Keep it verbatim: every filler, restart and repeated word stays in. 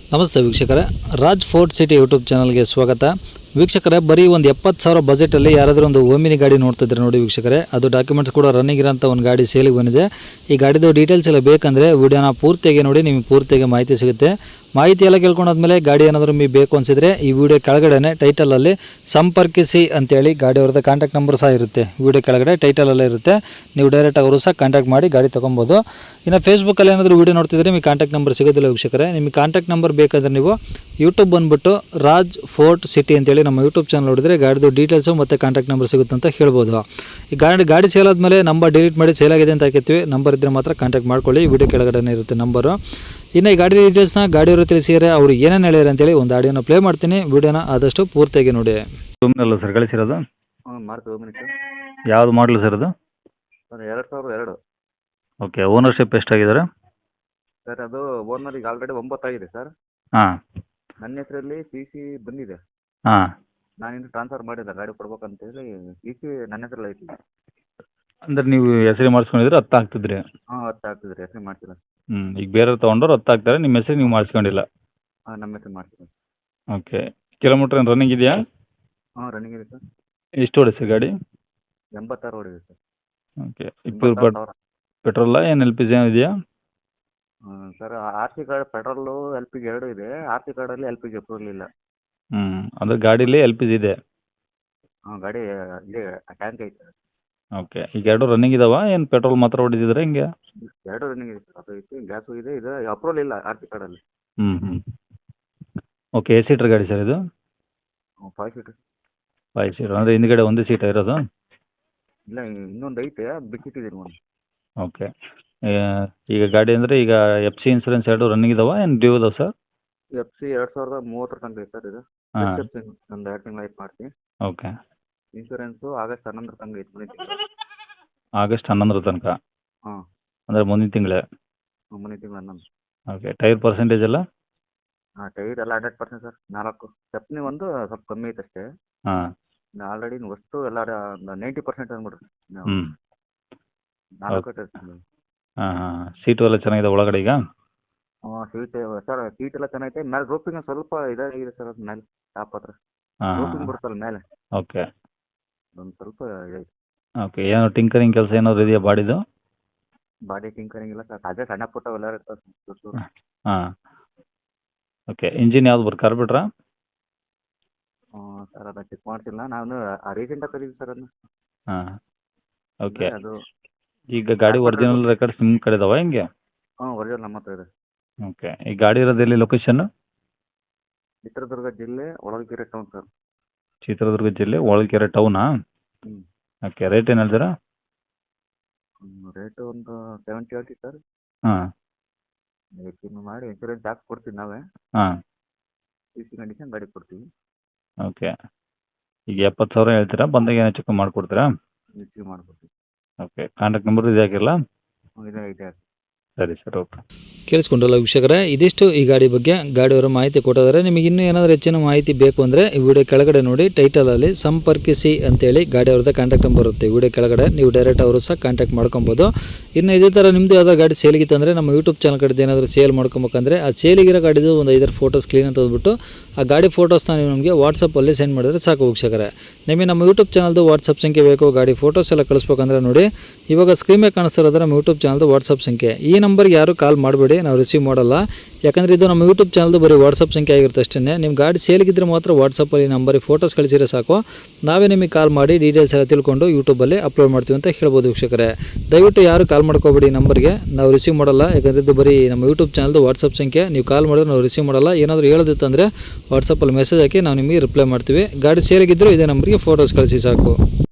ನಮಸ್ತೆ ವೀಕ್ಷಕರೇ, Raj fort city YouTube ಚಾನಲ್ಗೆ ಸ್ವಾಗತ. ವೀಕ್ಷಕರೇ, ಬರೀ ಒಂದು ಎಪ್ಪತ್ತು ಸಾವಿರ ಬಜೆಟಲ್ಲಿ ಯಾರಾದರೂ ಒಂದು ಓಮಿನಿ ಗಾಡಿ ನೋಡ್ತಿದ್ರೆ ನೋಡಿ ವೀಕ್ಷಕರೇ, ಅದು ಡಾಕ್ಯುಮೆಂಟ್ಸ್ ಕೂಡ ರನ್ನಿಂಗ್ ಇರೋಂಥ ಒಂದು ಗಾಡಿ ಸೇಲಿಗೆ ಬಂದಿದೆ. ಈ ಗಾಡಿದು ಡೀಟೇಲ್ಸ್ ಎಲ್ಲ ಬೇಕಂದರೆ ವಿಡಿಯೋನ ಪೂರ್ತಿಯಾಗಿ ನೋಡಿ, ನಿಮಗೆ ಪೂರ್ತಿಯಾಗಿ ಮಾಹಿತಿ ಸಿಗುತ್ತೆ. ಮಾಹಿತಿ ಎಲ್ಲ ಕೇಳ್ಕೊಂಡಾದ್ಮೇಲೆ ಗಾಡಿ ಏನಾದರೂ ನಿಮಗೆ ಬೇಕು ಅನಿಸಿದರೆ ಈ ವಿಡಿಯೋ ಕೆಳಗಡೆ ಟೈಟಲಲ್ಲಿ ಸಂಪರ್ಕಿಸಿ ಅಂತೇಳಿ ಗಾಡಿ ಅವ್ರದ್ದು ಕಾಂಟ್ಯಾಕ್ಟ್ ನಂಬರ್ ಸಹ ಇರುತ್ತೆ. ವಿಡಿಯೋ ಕೆಳಗಡೆ ಟೈಟಲಲ್ಲೇ ಇರುತ್ತೆ, ನೀವು ಡೈರೆಕ್ಟ್ ಅವರು ಸಹ ಕಾಂಟ್ಯಾಕ್ಟ್ ಮಾಡಿ ಗಾಡಿ ತೊಗೊಬೋದು. ಇನ್ನು ಫೇಸ್ಬುಕ್ಕಲ್ಲಿ ಏನಾದರೂ ವಿಡಿಯೋ ನೋಡ್ತಿದ್ರೆ ನಿಮಗೆ ಕಾಂಟ್ಯಾಕ್ಟ್ ನಂಬರ್ ಸಿಗೋದಿಲ್ಲ ವೀಕ್ಷಕರೇ. ನಿಮಗೆ ಕಾಂಟ್ಯಾಕ್ಟ್ ನಂಬರ್ ಬೇಕಾದರೆ ನೀವು ಯೂಟ್ಯೂಬ್ ಬಂದುಬಿಟ್ಟು ರಾಜ್ ಫೋರ್ಟ್ ಸಿಟಿ ಅಂತೇಳಿ ನಮ್ಮ ಯೂಟ್ಯೂಬ್ ಚಾನಲ್ ನೋಡಿದರೆ ಗಾಡಿದು ಡೀಟೇಲ್ಸು ಮತ್ತು ಕಾಂಟ್ಯಾಕ್ಟ್ ನಂಬರ್ ಸಿಗುತ್ತೆ ಅಂತ ಹೇಳ್ಬೋದು. ಈ ಗಾಡಿ ಗಾಡಿ ಸೇಲ್ ಆದಮೇಲೆ ನಂಬರ್ ಡಿಲೀಟ್ ಮಾಡಿ ಸೇಲ್ ಆಗಿದೆ ಅಂತ ಹಾಕಿರ್ತೀವಿ. ನಂಬರ್ ಇದ್ದರೆ ಮಾತ್ರ ಕಾಂಟ್ಯಾಕ್ಟ್ ಮಾಡ್ಕೊಳ್ಳಿ, ವಿಡಿಯೋ ಕೆಳಗಡೆ ಇರುತ್ತೆ ನಂಬರು. ಇನ್ನು ಈ ಗಾಡಿ ಡೀಟೇಲ್ಸ್ನ ಗಾಡಿಯವರು ತಿಳಿಸಿದರೆ ಅವರು ಏನೇನು ಹೇಳ್ಯಾರ ಅಂತೇಳಿ ಒಂದು ಆಡಿಯೋನ ಪ್ಲೇ ಮಾಡ್ತೀನಿ. ವಿಡಿಯೋನ ಆದಷ್ಟು ಪೂರ್ತಿಯಾಗಿ ನೋಡಿ. ಅಲ್ಲ ಸರ್ ಕಳಿಸಿರೋದು? ಹ್ಞೂ ಮಾರುತಿ ಓಮಿನಿ ಸರ್. ಯಾವುದು ಮಾಡಲು ಸರ್ ಅದು? ಸರ್ ಎರಡು ಸಾವಿರದ ಎರಡು. ಓಕೆ, ಓನರ್ಶಿಪ್ ಎಷ್ಟಾಗಿದ್ದಾರೆ? ಸರ್ ಅದು ಓನರ್ ಈಗ ಆಲ್ರೆಡಿ ಒಂಬತ್ತಾಗಿದೆ ಸರ್. ಹಾಂ ನನ್ನ ಹೆಸರಲ್ಲಿ ಸಿ ಸಿ ಬಂದಿದೆ. ಹಾಂ ನಾನಿನ್ನು ಟ್ರಾನ್ಸ್ಫರ್ ಮಾಡಿಲ್ಲ, ಗಾಡಿ ಕೊಡ್ಬೇಕಂತೇಳಿ ಸಿ ಸಿ ನನ್ನ ಹೆಸರಲ್ಲಿ ಐತಿ. ಅಂದ್ರೆ ನೀವು ಹೆಸರು ಮಾಡಿಸ್ಕೊಂಡಿದ್ರೆ ಹತ್ತು ಆಗ್ತಿದ್ರಿ? ಹಾಂ ಹತ್ತು ಆಗ್ತದೆ ರೀ, ಹೆಸರು ಮಾಡ್ಸಿಲ್ಲ. ಹ್ಞೂ ಈಗ ಬೇರೆ ತೊಗೊಂಡ್ರು ಹತ್ತು ಆಗ್ತಾರೆ, ನಿಮ್ಮ ಹೆಸರು ನೀವು ಮಾಡಿಸ್ಕೊಂಡಿಲ್ಲ? ಹಾಂ ನಮ್ಮ ಹೆಸರು ಮಾಡ್ಸಿಲ್ಲ. ಓಕೆ, ಕಿಲೋಮೀಟ್ರ್ ಏನು ರನ್ನಿಂಗ್ ಇದೆಯಾ? ಹಾಂ ರನ್ನಿಂಗ್ ಇದೆ ಸರ್. ಎಷ್ಟು ಹೊಡೆ ಸರ್ ಗಾಡಿ? ಎಂಬತ್ತಾರು ಓಡಿದೆ ಸರ್. ಓಕೆ, ಇಪ್ಪತ್ತು ಪೆಟ್ ಸಾವಿರ. ಪೆಟ್ರೋಲ ಏನು ಎಲ್ ಪಿ ಜಿ ಇದೆಯಾ? ಹ್ಞೂ sir, R C card petrol L P G ಎರಡು ಇದೆ. ಆರ್ ಸಿ ಕಾರ್ಡಲ್ಲಿ ಎಲ್ ಪಿ ಜಿ ಅಪ್ರೂವಲ್ ಇಲ್ಲ. ಹ್ಞೂ ಅಂದರೆ ಗಾಡೀಲಿ ಎಲ್ ಪಿ ಜಿ ಇದೆ? ಹಾಂ ಗಾಡಿ ಇಲ್ಲಿ ಟ್ಯಾಂಕ್ ಐತೆ ಸರ್. ಓಕೆ, ಈಗ ಎರಡು ರನ್ನಿಂಗ್ ಇದಾವ ಏನು ಪೆಟ್ರೋಲ್ ಮಾತ್ರ ಹೊಡಿತಿದ್ರೆ ಹಿಂಗೆ? ಎರಡು ರನ್ನಿಂಗ್ ಇದೆ ಸರ್, ಅದು ಐತಿ, ಗ್ಯಾಸು ಇದೆ. ಇದು ಅಪ್ರೂವಲ್ ಇಲ್ಲ ಆರ್ ಸಿ ಕಾರ್ಡಲ್ಲಿ. ಹ್ಞೂ ಹ್ಞೂ ಓಕೆ, ಎ ಸೀಟ್ರ್ ಗಾಡಿ ಸರ್ ಇದು? Five seater. ಫೈವ್ ಸೀಟರ್ ಅಂದರೆ ಹಿಂದ್ಗಡೆ ಒಂದು ಸೀಟ ಇರೋದು? ಇಲ್ಲ, ಇನ್ನೊಂದು ಐತೆ, ಅದು ಬಿಟ್ಟಿದ್ದೀನಿ ಒಂದು. ಓಕೆ, ಈಗ ಗಾಡಿ ಅಂದರೆ ಈಗ ಎಫ್ ಸಿ ಇನ್ಸೂರೆನ್ಸ್ ಎರಡು ರನ್ನಿಂಗ್ ಇದಾವ ಏನು ಡ್ಯೂ ಇದಾವೆ ಸರ್? ಎಫ್ ಸಿ ಎರಡು ಸಾವಿರದ ಮೂವತ್ತರ ತನಕ ಐತೆ ಸರ್ ಇದು. ಹಾಂ ಒಂದು ಎರಡು ತಿಂಗಳು ಆಯ್ತು ಮಾಡ್ತೀನಿ. ಓಕೆ, ಇನ್ಶೂರೆನ್ಸು ಆಗಸ್ಟ್ ಹನ್ನೊಂದರ ತನಕ ಐತೆ ಮುಂದಿನ ತಿಂಗಳು. ಆಗಸ್ಟ್ ಹನ್ನೊಂದರ ತನಕ? ಹಾಂ ಅಂದರೆ ಮುಂದಿನ ತಿಂಗಳೇ? ಮುಂದಿನ ತಿಂಗಳು ಹನ್ನೊಂದು. ಓಕೆ, ಟೈರ್ ಪರ್ಸೆಂಟೇಜ್ ಎಲ್ಲ? ಹಾಂ ಟೈರ್ ಎಲ್ಲ ಹಂಡ್ರೆಡ್ ಪರ್ಸೆಂಟ್ ಸರ್. ನಾಲ್ಕು ಸ್ಟೆಪ್ನಿ ಒಂದು ಸ್ವಲ್ಪ ಕಮ್ಮಿ ಐತೆ ಅಷ್ಟೇ. ಹಾಂ ಆಲ್ರೆಡಿ ವಸ್ತು ಎಲ್ಲ ಒಂದು ನೈಂಟಿ ಪರ್ಸೆಂಟ್ ಅಂದ್ಬಿಡ್ರಿ. ಹ್ಞೂ ನಾಲ್ಕು ಹಾಂ ಹಾಂ ಸೀಟು ಎಲ್ಲ ಚೆನ್ನಾಗಿದೆ ಒಳಗಡೆ ಈಗ? ಹಾಂ ಸೀಟ್ ಸರ್, ಸೀಟ್ ಎಲ್ಲ ಚೆನ್ನಾಗೈತೆ. ಮೇಲೆ ರೋಪಿಂಗ್ ಸ್ವಲ್ಪ ಇದಾಗಿದೆ ಸರ್, ಅದು ಮೇಲೆ ಟಾಪ್ ಹತ್ರ ಹಾಂ ರೋಪಿಂಗ್ ಬರುತ್ತಲ್ಲ ಮೇಲೆ, ಓಕೆ ಒಂದು ಸ್ವಲ್ಪ ಇದೈತೆ. ಓಕೆ, ಏನೋ ಟಿಂಕರಿಂಗ್ ಕೆಲಸ ಏನಾದ್ರು ಇದೆಯಾ ಬಾಡಿದು? ಬಾಡಿ ಟಿಂಕರಿಂಗ್ ಇಲ್ಲ ಸರ್, ಅದೇ ಸಣ್ಣ ಪುಟ್ಟ ಎಲ್ಲ ಇರ್ತದೆ. ಹಾಂ ಓಕೆ, ಇಂಜಿನ್ ಯಾವ್ದು ಬರ್ ಕಾರ್ಬಿಟ್ರಾ? ಹಾಂ ಸರ್, ಅದನ್ನು ಚೆಕ್ ಮಾಡ್ತಿಲ್ಲ ನಾನು, ರೀಸೆಂಟಾಗಿ ಕರೀತೀವಿ ಸರ್ ಅದನ್ನ. ಹಾಂ ಓಕೆ, ಅದು ಈಗ ಗಾಡಿ ಒರಿಜಿನಲ್ ರೆಕಾರ್ಡ್ಸ್ ನಿಮ್ಮ ಕಡೆ ಇದಾವ ಹೆಂಗೆ? ಹಾಂ ಒರಿಜಿನಲ್ ನಮ್ಮ ಹತ್ರ ಇದೆ. ಓಕೆ, ಈ ಗಾಡಿ ಇರೋದು ಎಲ್ಲಿ ಲೊಕೇಶನ್? ಚಿತ್ರದುರ್ಗ ಜಿಲ್ಲೆ ಹೊಳಲ್ಕೆರೆ ಟೌನ್ ಸರ್. ಚಿತ್ರದುರ್ಗ ಜಿಲ್ಲೆ ಹೊಳಲ್ಕೆರೆ ಟೌನಾ? ಹ್ಞೂ ಓಕೆ, ರೇಟ್ ಏನು ಹೇಳ್ತೀರಾ? ರೇಟು ಒಂದು ಸೆವೆಂಟಿ ಹೇಳ್ತೀವಿ ಸರ್. ಹಾಂ ಹೆಚ್ಚಿನ ಮಾಡಿ ಇನ್ಶೂರೆನ್ಸ್ ಹಾಕಿ ಕೊಡ್ತೀವಿ ನಾವೇ. ಹಾಂ ಸಿ ಸಿ ಕಂಡೀಷನ್ ಗಾಡಿ ಕೊಡ್ತೀವಿ. ಓಕೆ, ಈಗ ಎಪ್ಪತ್ತು ಸಾವಿರ ಹೇಳ್ತೀರಾ, ಬಂದಾಗ ಏನೋ ಚೆಕ್ ಮಾಡಿಕೊಡ್ತೀರಾ? ಹೆಚ್ಚಿಗೆ ಮಾಡಿಕೊಡ್ತೀವಿ. ಓಕೆ, ಕಾಂಟ್ಯಾಕ್ಟ್ ನಂಬರ್ ಇದು ಹಾಕಿರಲ್ಲ? ಇದೆ ಇದೆ. ಸರಿ ಸರ್, ಓಕೆ. ಕೇಳಿಸ್ಕೊಂಡ್ರಲ್ಲ ವೀಕ್ಷಕರೇ, ಇದಿಷ್ಟು ಈ ಗಾಡಿ ಬಗ್ಗೆ ಗಾಡಿಯವರ ಮಾಹಿತಿ ಕೊಟ್ಟಿದ್ದಾರೆ. ನಿಮಗೆ ಇನ್ನೂ ಏನಾದರೂ ಹೆಚ್ಚಿನ ಮಾಹಿತಿ ಬೇಕು ಅಂದರೆ ಈ ವಿಡಿಯೋ ಕೆಳಗಡೆ ನೋಡಿ, ಟೈಟಲಲ್ಲಿ ಸಂಪರ್ಕಿಸಿ ಅಂತೇಳಿ ಗಾಡಿಯವ್ರದ್ದು ಕಾಂಟ್ಯಾಕ್ಟ್ ನಂಬರ್ ಇರುತ್ತೆ. ವಿಡಿಯೋ ಕೆಳಗಡೆ ನೀವು ಡೈರೆಕ್ಟ್ ಅವರು ಸಹ ಕಾಂಟ್ಯಾಕ್ಟ್ ಮಾಡ್ಕೊಬೋದು. ಇನ್ನು ಇದೇ ಥರ ನಿಮ್ಮದು ಯಾವ್ದಾದ್ರು ಗಾಡಿ ಸೇಲಿಗಿತ್ತು ಅಂದರೆ ನಮ್ಮ ಯೂಟ್ಯೂಬ್ ಚಾನಲ್ ಕಡೆದು ಏನಾದರೂ ಸೇಲ್ ಮಾಡ್ಕೊಬೇಕಂದ್ರೆ ಆ ಸೇಲಿಗಿರೋ ಗಾಡಿದು ಒಂದು ಐದಾರು ಫೋಟೋಸ್ ಕ್ಲೀನ್ ಅಂತ ಹೋಗ್ಬಿಟ್ಟು ಆ ಗಾಡಿ ಫೋಟೋಸ್ನ ನೀವು ನಮಗೆ ವಾಟ್ಸಪ್ಪಲ್ಲಿ ಸೆಂಡ್ ಮಾಡಿದ್ರೆ ಸಾಕು ವೀಕ್ಷಕರೇ. ನಿಮಗೆ ನಮ್ಮ ಯೂಟ್ಯೂಬ್ ಚಾನಲ್ದು ವಾಟ್ಸಪ್ ಸಂಖ್ಯೆ ಬೇಕು, ಗಾಡಿ ಫೋಟೋಸ್ ಎಲ್ಲ ಕಳಿಸ್ಬೇಕಂದ್ರೆ ನೋಡಿ, ಇವಾಗ ಸ್ಕ್ರೀನ್ ಮೇಲೆ ಕಾಣಿಸ್ತಾ ಇರೋದು ನಮ್ಮ ಯೂಟ್ಯೂಬ್ ಚಾನಲ್ದು ವಾಟ್ಸಪ್ ಸಂಖ್ಯೆ. ಈ ನಂಬರ್ಗೆ ಯಾರು ಕಾಲ್ ಮಾಡಬೇಡಿ, ನಾವು ರಿಸೀವ್ ಮಾಡಲ್ಲ. ಯಾಕಂದರೆ ಇದು ನಮ್ಮ ಯೂಟ್ಯೂಬ್ ಚಾನಲ್ದು ಬರೀ ವಾಟ್ಸಪ್ ಸಂಖ್ಯೆ ಆಗಿರುತ್ತೆ ಅಷ್ಟೇ. ನಿಮ್ಮ ಗಾಡಿ ಸೇಲಿಗಿದ್ರೆ ಮಾತ್ರ ವಾಟ್ಸಪ್ಪಲ್ಲಿ ನಂಬರಿಗೆ ಫೋಟೋಸ್ ಕಳಿಸಿದ್ರೆ ಸಾಕು, ನಾವೇ ನಿಮಗೆ ಕಾಲ್ ಮಾಡಿ ಡೀಟೇಲ್ಸ್ ಎಲ್ಲ ತಿಳ್ಕೊಂಡು ಯೂಟ್ಯೂಬಲ್ಲಿ ಅಪ್ಲೋಡ್ ಮಾಡ್ತೀವಿ ಅಂತ ಹೇಳ್ಬೋದು ವೀಕ್ಷಕರೇ. ದಯವಿಟ್ಟು ಯಾರು ಕಾಲ್ ಮಾಡ್ಕೋಬೇಡಿ, ನಂಬರ್ಗೆ ನಾವು ರಿಸೀವ್ ಮಾಡಲ್ಲ. ಯಾಕಂದರೆ ಇದು ಬರೀ ನಮ್ಮ ಯೂಟ್ಯೂಬ್ ಚಾನಲ್ದು ವಾಟ್ಸಪ್ ಸಂಖ್ಯೆ. ನೀವು ಕಾಲ್ ಮಾಡಿದ್ರೆ ನಾವು ರಿಸೀವ್ ಮಾಡಲ್ಲ. ಏನಾದರೂ ಹೇಳೋದಿತ್ತಂದರೆ ವಾಟ್ಸಪ್ಪಲ್ಲಿ ಮೆಸೇಜ್ ಹಾಕಿ ನಾವು ನಿಮಗೆ ರಿಪ್ಲೈ ಮಾಡ್ತೀವಿ. ಗಾಡಿ ಸೇಲಿಗಿದ್ದರೂ ಇದೇ ನಂಬರಿಗೆ ಫೋಟೋಸ್ ಕಳಿಸಿ ಸಾಕು.